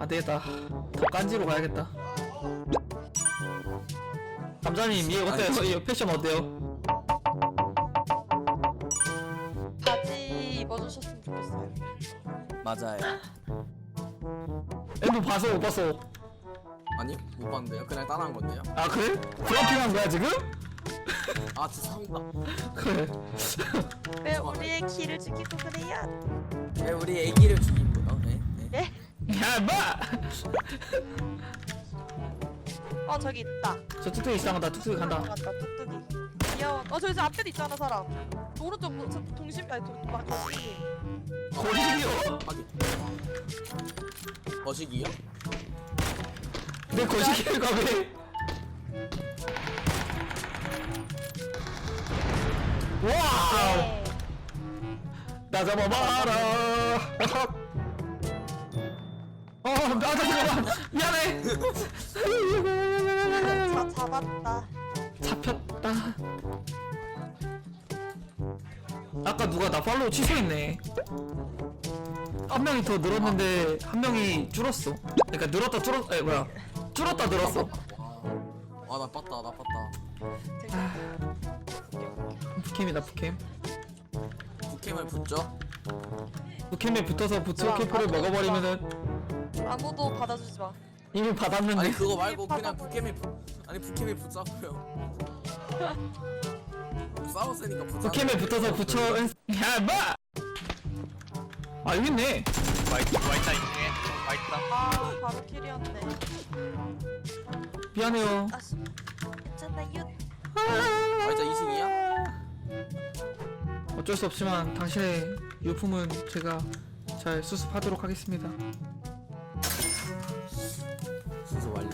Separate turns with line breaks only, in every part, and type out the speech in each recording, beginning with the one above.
되겠다. 더 깐지로 가야겠다. 감자님 얘 어때요? 이 패션 어때요?
바지 입어주셨으면 좋겠어요.
맞아요.
엠버 봤어 못 봤어?
아니 못 봤는데요. 그냥 따라한 건데요.
아 그래? 브라핑한 거야 지금?
아 죄송합니다.
그래.
왜 우리의 키를 죽이고 그래요?
네, 우리 애기를 죽인 거요. 네. 네.
예?
야 뭐?
저기 있다.
저 뚝뚝이 이상하다. 뚝뚝이 간다.
간다 뚝뚝이. 귀여워. 저기 앞에도 있잖아 사람. 오른쪽 동심 아니 막 거기.
거시기요?
확인. 거시기요?
내 거시기가 왜? 와우!
네.
나 잡아봐라. 나 잠깐만. 미안해.
잡았다.
잡혔다. 아까 누가 나 팔로우 취소했네. 한 명이 더 늘었는데 한 명이 줄었어. 그러니까 늘었다 줄었. 에 뭐야? 줄었다 늘었어.
와, 나 빴다. 나 빴다.
부캠이다 부캠.
북캠을 붙죠?
부캠에 붙어서 부츠 캠프를 먹어버리면은
아무도 받아주지 마.
이미 받았는데.
아니 그거 말고 그냥 북캠에 아니 북캠에 붙자고요. 싸웠으니까 붙자.
부캠에 붙어서 붙여. 야 뭐? 아 여기 있네.
와있다 2층에 와있다.
바로 킬이었네.
미안해요.
아씨. 괜찮아요.
아 진짜 2층이야?
어쩔 수 없지만 당신의 유품은 제가 잘 수습하도록 하겠습니다.
순서 완료.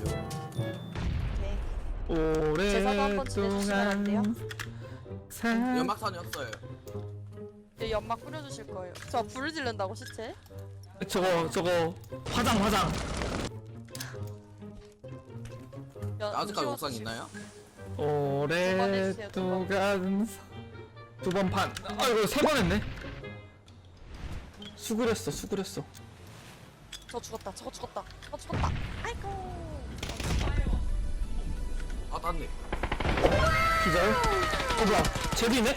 오케이. 제사도 한번 지내주시면 안 돼요?
오랫동안
연막탄이었어요.
이제 연막 뿌려주실 거예요. 저 불을 지른다고 시체?
저거 화장
아직까지 옥상 있나요?
오랫동안 두 번 판. 아이고 세 번 했네. 수그렸어.
저 죽었다. 저거 죽었다. 아이고.
아 땄네.
기절. 뭐야? 쟤도 있네?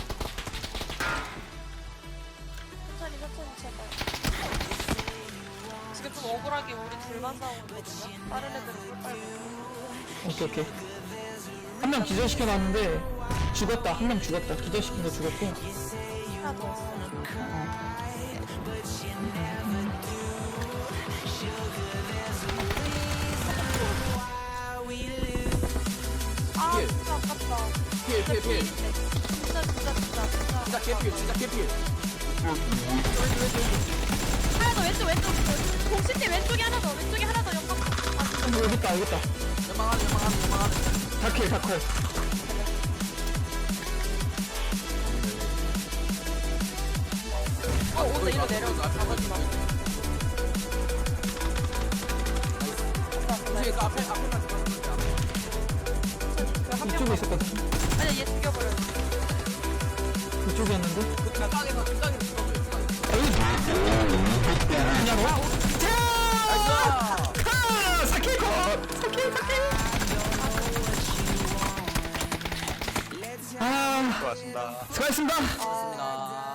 천천히 제발. 지금 좀 억울하게 우리 둘만 싸우고 있거든요. 다른 애들은 꿀 빨고.
오케이. 한 명 기절시켜놨는데 죽었다. 한 명 죽었다. 기절시킨 거 죽었고.
하나 더 왔어. 아
필.
진짜 아깝다.
필.
진짜.
진짜 개필. 진짜 개필.
하나 더 왼쪽. 공식대 왼쪽에 하나 더. 연막.
여기 있다.
연막 안에.
다클.
온다 일로 내려온다. 잡아주지 마.
앞에 앞에만
그한
이쪽에
명만.
있었거든.
아니야 얘 죽여버려.
이쪽이었는데.
그 뒷방에서 죽어줘요.
그냥 와.
나이스.
사케코.
수고하셨습니다.
수고하셨습니다.
좋습니다.